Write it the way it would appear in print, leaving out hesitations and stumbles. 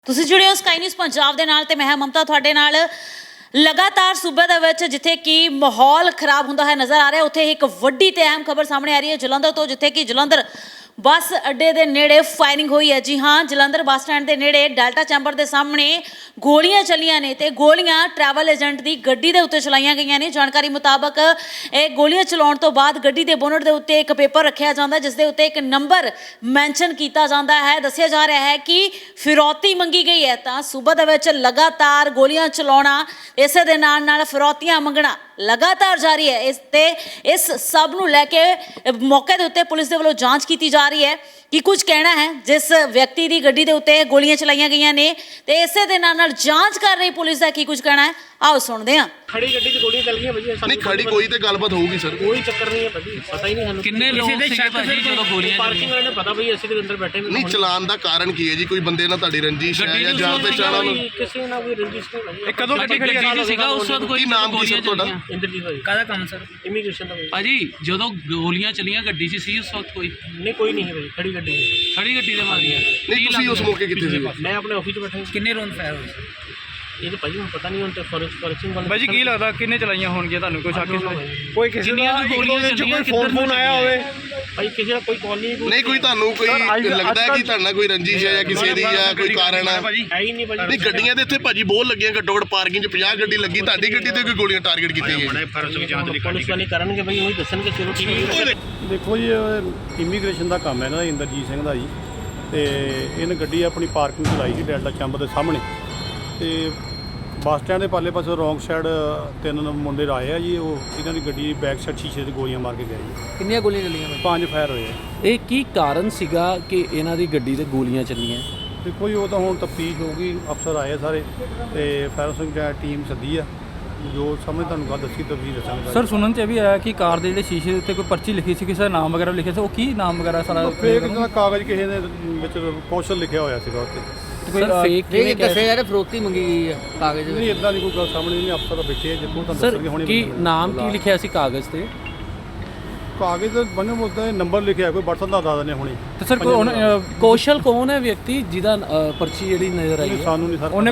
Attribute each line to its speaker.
Speaker 1: ਤੁਸੀਂ ਜੁੜੇ ਹੋ ਸਕਾਈ ਨਿਊਜ਼ ਪੰਜਾਬ ਦੇ ਨਾਲ ਤੇ ਮੈਂ ਹਾਂ ਮਮਤਾ ਤੁਹਾਡੇ ਨਾਲ। ਲਗਾਤਾਰ ਸੂਬੇ ਦੇ ਵਿੱਚ ਜਿੱਥੇ ਕਿ ਮਾਹੌਲ ਖਰਾਬ ਹੁੰਦਾ ਹੈ ਨਜ਼ਰ ਆ ਰਿਹਾ, ਉੱਥੇ ਇੱਕ ਵੱਡੀ ਤੇ ਅਹਿਮ ਖਬਰ ਸਾਹਮਣੇ ਆ ਰਹੀ ਹੈ ਜਲੰਧਰ ਤੋਂ, ਜਿੱਥੇ ਕਿ ਜਲੰਧਰ ਬੱਸ ਅੱਡੇ ਦੇ ਨੇੜੇ ਫਾਇਰਿੰਗ ਹੋਈ ਹੈ। ਜੀ ਹਾਂ, ਜਲੰਧਰ ਬੱਸ ਸਟੈਂਡ ਦੇ ਨੇੜੇ ਡੈਲਟਾ ਚੈਂਬਰ ਦੇ ਸਾਹਮਣੇ ਗੋਲੀਆਂ ਚੱਲੀਆਂ ਨੇ ਤੇ ਗੋਲੀਆਂ ਟਰੈਵਲ ਏਜੰਟ ਦੀ ਗੱਡੀ ਦੇ ਉੱਤੇ ਚਲਾਈਆਂ ਗਈਆਂ ਨੇ। ਜਾਣਕਾਰੀ ਮੁਤਾਬਕ ਇਹ ਗੋਲੀਆਂ ਚਲਾਉਣ ਤੋਂ ਬਾਅਦ ਗੱਡੀ ਦੇ ਬੋਨਟ ਦੇ ਉੱਤੇ ਇੱਕ ਪੇਪਰ ਰੱਖਿਆ ਜਾਂਦਾ, ਜਿਸ ਦੇ ਉੱਤੇ ਇੱਕ ਨੰਬਰ ਮੈਂਸ਼ਨ ਕੀਤਾ ਜਾਂਦਾ ਹੈ। ਦੱਸਿਆ ਜਾ ਰਿਹਾ ਹੈ ਕਿ ਫਿਰੌਤੀ ਮੰਗੀ ਗਈ ਹੈ। ਤਾਂ ਸੂਬੇ ਦੇ ਵਿੱਚ ਲਗਾਤਾਰ ਗੋਲੀਆਂ ਚਲਾਉਣਾ, ਇਸੇ ਦੇ ਨਾਲ ਨਾਲ ਫਿਰੌਤੀਆਂ ਮੰਗਣਾ ਲਗਾਤਾਰ ਜਾਰੀ ਹੈ। ਇਸ ਸਭ ਨੂੰ ਲੈ ਕੇ ਮੌਕੇ ਦੇ ਉੱਤੇ ਪੁਲਿਸ ਦੇ ਵੱਲੋਂ ਜਾਂਚ ਕੀਤੀ ਜਾ ਰਹੀ ਹੈ ਕਿ ਕੁਝ ਕਹਿਣਾ ਹੈ ਜਿਸ ਵਿਅਕਤੀ ਦੀ ਗੱਡੀ ਦੇ ਉੱਤੇ ਗੋਲੀਆਂ ਚਲਾਈਆਂ ਗਈਆਂ ਨੇ ਤੇ ਇਸੇ ਦੇ ਨਾਲ ਜਾਂਚ ਕਰ ਰਹੀ ਪੁਲਿਸ ਦਾ ਕੀ ਕੁਝ ਕਹਿਣਾ ਹੈ, ਆਓ ਸੁਣਦੇ ਹਾਂ।
Speaker 2: ਖੜੀ ਗੱਡੀ 'ਚ ਗੋਲੀਆਂ ਚੱਲ ਗਈਆਂ ਭਾਜੀ।
Speaker 3: ਨਹੀਂ ਖੜੀ ਕੋਈ ਤੇ ਗੱਲਬਾਤ ਹੋਊਗੀ ਸਰ,
Speaker 2: ਕੋਈ ਚੱਕਰ ਨਹੀਂ ਹੈ ਭਾਜੀ, ਪਤਾ ਹੀ ਨਹੀਂ ਸਾਨੂੰ
Speaker 4: ਕਿੰਨੇ ਲੋਕ ਸੀਗੇ ਭਾਜੀ ਜਦੋਂ ਗੋਲੀਆਂ
Speaker 2: ਪਾਰਕਿੰਗ ਵਾਲੇ ਨੇ ਪਤਾ ਭਾਈ, ਅਸੀਂ ਦੇ ਅੰਦਰ ਬੈਠੇ
Speaker 3: ਨਹੀਂ ਚਲਾਨ ਦਾ ਕਾਰਨ ਕੀ ਹੈ ਜੀ? ਕੋਈ ਬੰਦੇ ਨਾਲ ਤੁਹਾਡੀ ਰੰਜਿਸ਼ ਹੈ ਜਾਂ ਜਾਣ ਪਛਾਣ ਵਾਲਾ?
Speaker 2: ਕਿਸੇ ਨਾਲ ਕੋਈ ਰੰਜਿਸ਼ ਨਹੀਂ ਭਾਜੀ।
Speaker 4: ਇਹ ਕਦੋਂ ਗੱਡੀ ਖੜੀ ਸੀਗਾ ਉਸ ਵਕਤ? ਕੋਈ
Speaker 3: ਕੀ ਨਾਮ ਕੀ ਸਰ ਤੁਹਾਡਾ?
Speaker 2: ਇੰਦਰਜੀਤ ਭਾਜੀ।
Speaker 4: ਕਾਹਦਾ ਕੰਮ ਸਰ?
Speaker 2: ਇਮੀਗ੍ਰੇਸ਼ਨ ਦਾ
Speaker 4: ਭਾਜੀ ਜਦੋਂ ਗੋਲੀਆਂ ਚੱਲੀਆਂ ਗੱਡੀ 'ਚ ਸੀ ਉਸ ਵਕਤ ਕੋਈ?
Speaker 2: ਨਹੀਂ ਕੋਈ ਨਹੀਂ ਹੈ ਭਾਜੀ, ਖੜੀ ਗੱਡੀ ਹੈ।
Speaker 4: ਖੜੀ ਗੱਡੀ ਦੇ ਮਾਰੀਆਂ।
Speaker 3: ਨਹੀਂ ਤੁਸੀਂ ਉਸ ਮੌਕੇ ਕਿੱਥੇ ਸੀ?
Speaker 2: ਮੈਂ ਆਪਣੇ ਆਫਿਸ 'ਚ ਬੈਠਾ ਸੀ।
Speaker 4: ਕਿੰਨੇ ਰੌਂਡ ਫਾਇਰ ਹੋਏ?
Speaker 2: ਇਹ ਤਾਂ ਭਾਜੀ ਹੁਣ ਪਤਾ ਨਹੀਂ, ਹੁਣ ਤੇ ਫੋਰੈਂਸਿਕ ਵਾਲੇ
Speaker 5: ਭਾਜੀ ਕੀ ਲੱਗਦਾ ਕਿੰਨੇ ਚਲਾਈਆਂ ਹੋਣਗੀਆਂ ਤੁਹਾਨੂੰ? ਕੋਈ ਸ਼ੱਕ
Speaker 2: ਕੋਈ
Speaker 5: ਕਿਸੇ
Speaker 4: ਕਿੰਨੀਆਂ ਕੁ ਗੋਲੀਆਂ ਚੱਲੀਆਂ?
Speaker 5: ਫੋਨ ਆਇਆ ਹੋਵੇ?
Speaker 2: ਭਾਈ ਕਿਸੇ ਦਾ ਕੋਈ ਕਾਲ
Speaker 3: ਨਹੀਂ ਕੋਈ ਤੁਹਾਨੂੰ ਕੋਈ ਲੱਗਦਾ ਹੈ ਕਿ ਤੁਹਾਡੇ ਨਾਲ ਕੋਈ ਰੰਜਿਸ਼ ਹੈ ਜਾਂ ਕਿਸੇ ਦੀ ਜਾਂ ਕੋਈ ਕਾਰਨ ਹੈ?
Speaker 2: ਹੈ ਹੀ ਨਹੀਂ ਭਾਜੀ।
Speaker 3: ਨਹੀਂ ਗੱਡੀਆਂ ਦੇ ਇੱਥੇ ਭਾਜੀ ਬਹੁਤ ਲੱਗੀਆਂ, ਘੱਟੋ ਘੱਟ ਪਾਰਕਿੰਗ 'ਚ 50 ਗੱਡੀ ਲੱਗੀ, ਤੁਹਾਡੀ ਗੱਡੀ ਤੇ ਕੋਈ ਗੋਲੀਆਂ ਟਾਰਗੇਟ ਕੀਤੀਆਂ ਗਈਆਂ?
Speaker 2: ਪੁਲਿਸ ਵਾਲੇ ਕਰਨਗੇ ਭਾਈ, ਉਹੀ ਦੱਸਣਗੇ। ਚਲੋ ਠੀਕ ਹੈ।
Speaker 6: ਦੇਖੋ ਜੀ, ਇਮੀਗ੍ਰੇਸ਼ਨ ਦਾ ਕੰਮ ਹੈ ਨਾ ਇੰਦਰਜੀਤ ਸਿੰਘ ਦਾ ਜੀ, ਤੇ ਇਹਨੇ ਗੱਡੀ ਆਪਣੀ ਪਾਰਕਿੰਗ 'ਚ ਲਾਈ ਸੀ ਡੈਲਟਾ ਚੈਂਬਰ ਦੇ ਸਾਹਮਣੇ, ਤੇ ਬੱਸ ਸਟੈਂਡ ਦੇ ਪਾਲੇ ਪਾਸੇ ਰੌਂਗ ਸਾਈਡ ਤਿੰਨ ਮੁੰਡੇ ਆਏ ਆ ਜੀ। ਉਹ ਇਹਨਾਂ ਦੀ ਗੱਡੀ ਦੀ ਬੈਕ ਸਾਈਡ ਸ਼ੀਸ਼ੇ 'ਤੇ ਗੋਲੀਆਂ ਮਾਰ ਕੇ ਗਏ ਜੀ।
Speaker 7: ਕਿੰਨੀਆਂ ਗੋਲੀਆਂ ਚੱਲੀਆਂ?
Speaker 6: 5 ਫਾਇਰ ਹੋਏ ਆ।
Speaker 7: ਇਹ ਕੀ ਕਾਰਨ ਸੀਗਾ ਕਿ ਇਹਨਾਂ ਦੀ ਗੱਡੀ ਤੇ ਗੋਲੀਆਂ ਚੱਲੀਆਂ?
Speaker 6: ਦੇਖੋ ਜੀ, ਉਹ ਤਾਂ ਹੁਣ ਤਫਤੀਸ਼ ਹੋਊਗੀ, ਅਫਸਰ ਆਏ ਆ ਸਾਰੇ ਤੇ ਫਾਇਰ ਸਿੰਘ ਟੀਮ ਸੱਦੀ ਆ, ਜੋ ਸਮਝ ਤੁਹਾਨੂੰ ਗੱਲ ਦੱਸੀ ਤਫਤੀਸ਼ ਦੱਸਾਂਗੇ।
Speaker 5: ਸਰ ਸੁਣਨ 'ਚ ਇਹ ਵੀ ਆਇਆ ਕਿ ਕਾਰ ਦੇ ਜਿਹੜੇ ਸ਼ੀਸ਼ੇ ਦੇ ਉੱਤੇ ਕੋਈ ਪਰਚੀ ਲਿਖੀ ਸੀ, ਕਿਸੇ ਦਾ ਨਾਮ ਵਗੈਰਾ ਲਿਖਿਆ ਸੀ, ਉਹ ਕੀ ਨਾਮ ਵਗੈਰਾ ਸਾਰਾ
Speaker 6: ਫੇਕ ਦਾ ਕਾਗਜ਼ ਕਿਸੇ ਦੇ ਵਿੱਚ ਕੌਸ਼ਲ ਲਿਖਿਆ ਹੋਇਆ ਸੀਗਾ ਉੱਤੇ।
Speaker 7: ਸਰ ਫੇਕ ਕਿਵੇਂ ਦੱਸਿਆ ਯਾਰ? ਫਰੋਤੀ ਮੰਗੀ ਗਈ ਹੈ ਕਾਗਜ਼
Speaker 6: ਨਹੀਂ ਇਦਾਂ ਦੀ ਕੋਈ ਗੱਲ ਸਾਹਮਣੇ ਨਹੀਂ, ਅਫਸਰ ਬੈਠੇ ਆ, ਜਿੱਥੋਂ ਤੁਹਾਨੂੰ
Speaker 7: ਸਰ
Speaker 6: ਦੱਸਣਗੇ ਹੁਣੇ।
Speaker 7: ਕੀ ਨਾਮ ਕੀ ਲਿਖਿਆ ਸੀ ਕਾਗਜ਼ ਤੇ?
Speaker 6: ਕਾਗਜ਼ ਤੇ ਬਣੇ ਮੁੱਦਾ ਨੰਬਰ ਲਿਖਿਆ, ਕੋਈ WhatsApp ਦਾ ਦੱਸ ਦਿੰਦੇ ਹੁਣੇ।
Speaker 5: ਤੇ ਸਰ ਕੋਈ
Speaker 7: ਕੌਸ਼ਲ ਕੌਣ ਹੈ ਵਿਅਕਤੀ ਜਿਹਦਾ ਪਰਚੀ ਜਿਹੜੀ ਨਜ਼ਰ ਆਈ ਹੈ?
Speaker 6: ਸਾਨੂੰ ਨਹੀਂ ਸਰ।